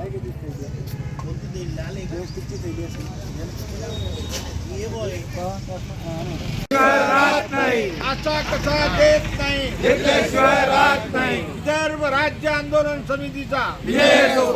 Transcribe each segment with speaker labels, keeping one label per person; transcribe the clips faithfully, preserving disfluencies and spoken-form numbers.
Speaker 1: असा कसा देत नाही घेतल्याशिवाय राहत नाही। विदर्भ राज्य आंदोलन समितीचा विजय हो।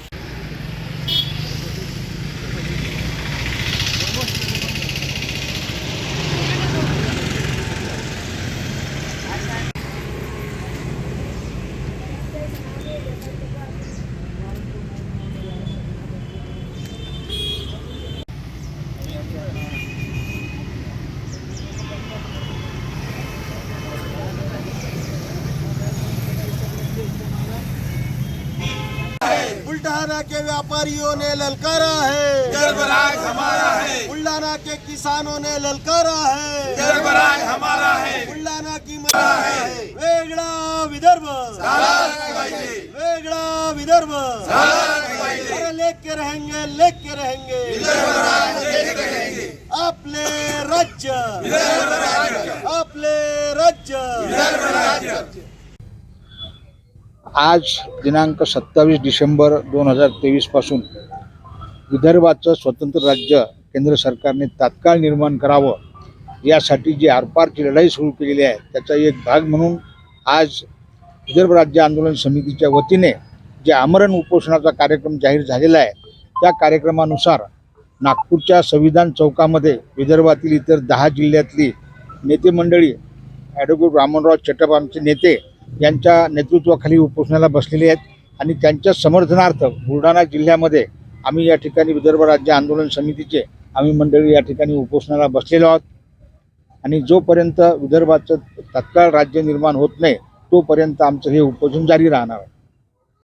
Speaker 1: बुल्ढाना के व्यापारियों ने ललकारा है विदर्भ राज हमारा है। बुल्ढाना के किसानों ने ललकारा है विदर्भ राज हमारा है। बुल्ढाना की मरा है वेगळा विदर्भ वेगळा विदर्भ अरे लेके रहेंगे लेके रहेंगे विदर्भ राज लेके रहेंगे। आपले राज्य विदर्भ राज्य आपले राज्य विदर्भ राज्य।
Speaker 2: आज दिनांक सत्तावीस डिसेंबर दोन हजार तेवीस पासून विदर्भाचं स्वतंत्र राज्य केंद्र सरकारने तात्काळ निर्माण करावं यासाठी जी आरपारची लढाई सुरू केलेली आहे त्याचा एक भाग म्हणून आज विदर्भ राज्य आंदोलन समितीच्या वतीने जे आमरण उपोषणाचा कार्यक्रम जाहीर झालेला आहे त्या कार्यक्रमानुसार नागपूरच्या संविधान चौकामध्ये विदर्भातील इतर दहा जिल्ह्यातली नेते मंडळी ॲडव्होकेट रामनराव चटप आमचे नेते यांच्या नेतृत्वाखाली उपोषणाला बसलेले आहेत आणि त्यांच्या समर्थनार्थ बुलढाणा जिल्ह्यामध्ये आम्ही या ठिकाणी विदर्भ राज्य आंदोलन समितीचे आम्ही मंडळी या ठिकाणी उपोषणाला बसलेलो आहोत आणि जोपर्यंत विदर्भाचं तत्काळ राज्य निर्माण होत नाही तोपर्यंत आमचं हे उपोषण जारी राहणार आहे।